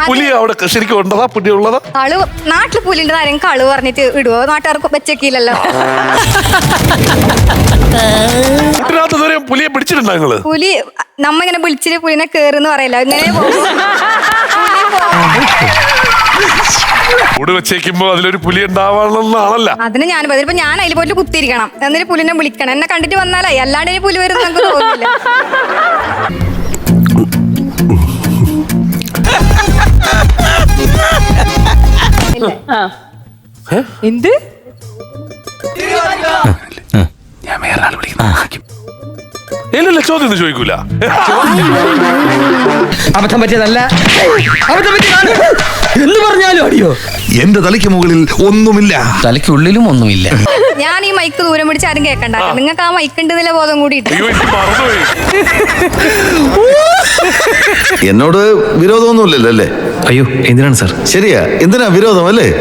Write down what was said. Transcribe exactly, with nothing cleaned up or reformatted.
പുലി അവിടെ ശരിക്കും ഉണ്ടതാ പുലി ഉള്ളതാ? ആള് നാട്ടില് പുലിന്റെ ആരെങ്കിലും കളു പറഞ്ഞിട്ട് ഇടുവോ? നാട്ടുകാർക്ക് വെച്ചേക്കില്ലല്ലോ. പുലിയെ പിടിച്ചിട്ടുണ്ടോ നിങ്ങള്? പുലി നമ്മ ഇങ്ങനെ വിളിച്ചിട്ട് പുലിനെ കേറുന്ന് പറയല്ലോ, ഇങ്ങനെ കൂട് വെച്ചേക്കുമ്പോ അതിലൊരു പുലി ഉണ്ടാവാണെന്നാണല്ലോ. അതിന് ഞാൻ ഇപ്പൊ ഞാൻ അതിൽ പോയിട്ട് കുത്തിരിക്കണം, എന്നിട്ട് പുലിനെ വിളിക്കണം. എന്നെ കണ്ടിട്ട് വന്നാലേ, അല്ലാണ്ട് പുലി വരും നമുക്ക് തോന്നില്ല. എന്ത് ഞാൻ വേറെ ആൾ വിളിക്കുന്നു. ഇല്ലല്ല, ചോദ്യം ഒന്നും ചോദിക്കൂല. അബദ്ധം പറ്റിയതല്ല, അബദ്ധം പറ്റിയതാണ് എന്ന് പറഞ്ഞാലും അടിയോ. എന്റെ തലയ്ക്ക് മുകളിൽ ഒന്നുമില്ല, തലയ്ക്കുള്ളിലും ഒന്നുമില്ല. ഞാൻ ഈ മൈക്ക് ദൂരം പിടിച്ച് ആരും കേൾക്കണ്ട. നിങ്ങൾക്ക് ആ മൈക്ക് ഉണ്ടെന്നില്ല ബോധം കൂടി. എന്നോട് വിരോധമൊന്നുമില്ലല്ലോ അല്ലേ? അയ്യോ, എന്തിനാണ് സാർ? ശരിയാ, എന്തിനാ വിരോധം അല്ലേ?